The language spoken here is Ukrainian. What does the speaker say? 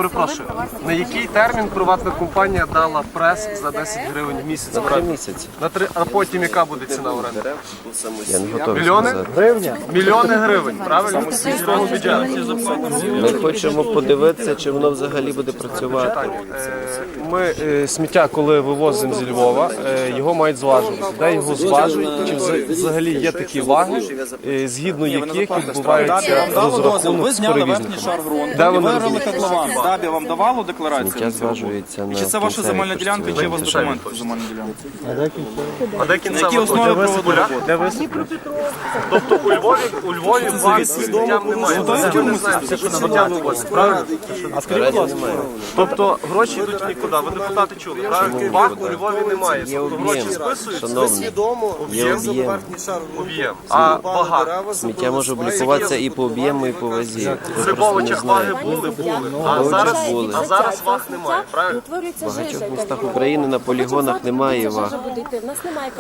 перепрошую, на який термін приватна компанія дала прес за 10 гривень в місяць? На 3 місяці. На 3, а потім яка буде ціна оренди? Я не готовий Мільйони? сказати. Мільйони гривень, правильно? З міського бюджету. Ми хочемо подивитися, чи воно взагалі буде працювати. Ми сміття, коли вивозимо зі Львова, його мають зважувати. Де його зважують? Чи взагалі є такі ваги, згідно яких відбувається розрахунок з перевізником? Де вони розуміють? Котлован. ДАБІ вам давало декларацію? Сміття зважується на Чи це ваша земельна ділянка, чи у вас документи по земельній ділянці? А де На кінцева якій основі точка? проводили роботи? Тобто у Львові ваг з сміттям немає. Ми не знаємо, що сміття вивозять, правильно? А скажіть, будь ласка, тобто гроші йдуть нікуди, ви депутати чули, правильно? Ваг у Львові немає, Є тобто гроші об'єм, списуються, шановні, є об'єм. об'єм. А вага? Сміття може облікуватися і по об'єму, і по вазі. В Ви просто не Грибовичах ваги знаєте. були. були. А зараз ваг немає, правильно? В багатьох містах України на полігонах немає ваг.